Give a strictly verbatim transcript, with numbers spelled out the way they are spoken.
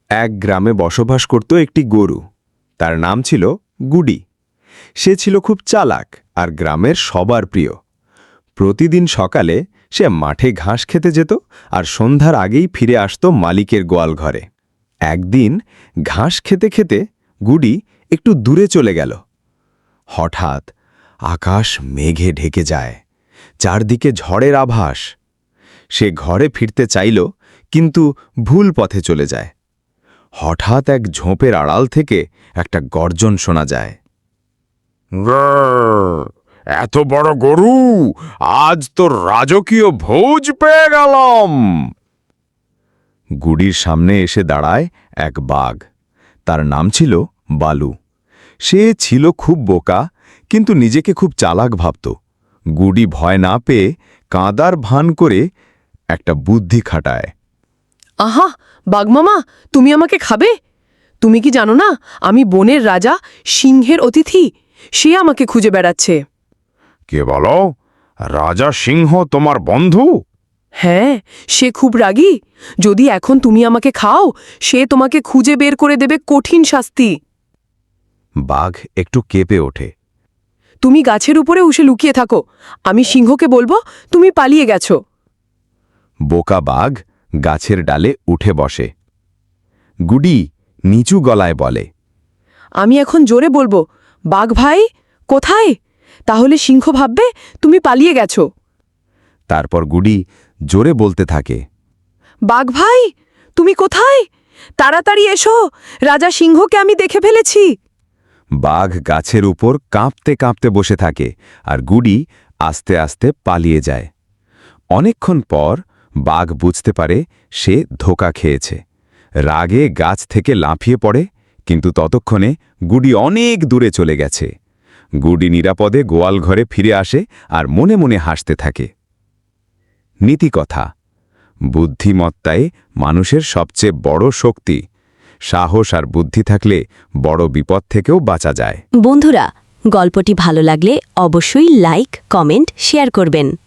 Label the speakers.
Speaker 1: এক গ্রামে বসবাস করত একটি গরু। তার নাম ছিল গুডি। সে ছিল খুব চালাক আর গ্রামের সবার প্রিয়। প্রতিদিন সকালে সে মাঠে ঘাস খেতে যেত আর সন্ধ্যার আগেই ফিরে আসত মালিকের গোয়াল ঘরে। একদিন ঘাস খেতে খেতে গুডি একটু দূরে চলে গেল। হঠাৎ আকাশ মেঘে ঢেকে যায়, চারদিকে ঝড়ের আভাস। সে ঘরে ফিরতে চাইল, কিন্তু ভুল পথে চলে যায়। হঠাৎ এক ঝোপের আড়াল থেকে একটা গর্জন শোনা যায়।
Speaker 2: এত বড় গরু, আজ তো রাজকীয় ভোজ পেয়ে গেলাম।
Speaker 1: গুডির সামনে এসে দাঁড়ায় এক বাঘ। তার নাম ছিল বালু। সে ছিল খুব বোকা, কিন্তু নিজেকে খুব চালাক ভাবত। গুডি ভয় না পেয়ে কাঁদার ভান করে একটা বুদ্ধি খাটায়।
Speaker 3: আহা, বাঘমামা, তুমি আমাকে খাবে? তুমি কি জানো না আমি বনের রাজা, সিংহের অতিথি? সে আমাকে খুঁজে বেড়াচ্ছে।
Speaker 2: কে বলো? রাজা সিংহ তোমার বন্ধু?
Speaker 3: হ্যাঁ, সে খুব রাগী। যদি এখন তুমি আমাকে খাও, সে তোমাকে খুঁজে বের করে দেবে কঠিন শাস্তি।
Speaker 1: বাঘ একটু কেঁপে ওঠে।
Speaker 3: তুমি গাছের উপরে উঠে লুকিয়ে থাকো, আমি সিংহকে বলবো তুমি পালিয়ে গেছো।
Speaker 1: বোকা বাঘ গাছের ডালে উঠে বসে। গুডি নিচু গলায় বলে,
Speaker 3: আমি এখন জোরে বলবো, বাঘ ভাই কোথায়? তাহলে সিংহ ভাববে তুমি পালিয়ে গেছো।
Speaker 1: তারপর গুডি জোরে বলতে থাকে,
Speaker 3: বাঘ ভাই তুমি কোথায়? তাড়াতাড়ি এসো, রাজা সিংহকে আমি দেখে ফেলেছি।
Speaker 1: বাঘ গাছের উপর কাঁপতে কাঁপতে বসে থাকে আর গুডি আস্তে আস্তে পালিয়ে যায়। অনেকক্ষণ পর বাঘ বুঝতে পারে সে ধোঁকা খেয়েছে। রাগে গাছ থেকে লাফিয়ে পড়ে, কিন্তু ততক্ষণে গুডি অনেক দূরে চলে গেছে। গুডি নিরাপদে গোয়াল ঘরে ফিরে আসে আর মনে মনে হাসতে থাকে। নীতিকথা: বুদ্ধিমত্তাই মানুষের সবচেয়ে বড় শক্তি। সাহস আর বুদ্ধি থাকলে বড় বিপদ থেকেও বাঁচা যায়।
Speaker 4: বন্ধুরা, গল্পটি ভালো লাগলে অবশ্যই লাইক, কমেন্ট, শেয়ার করবেন।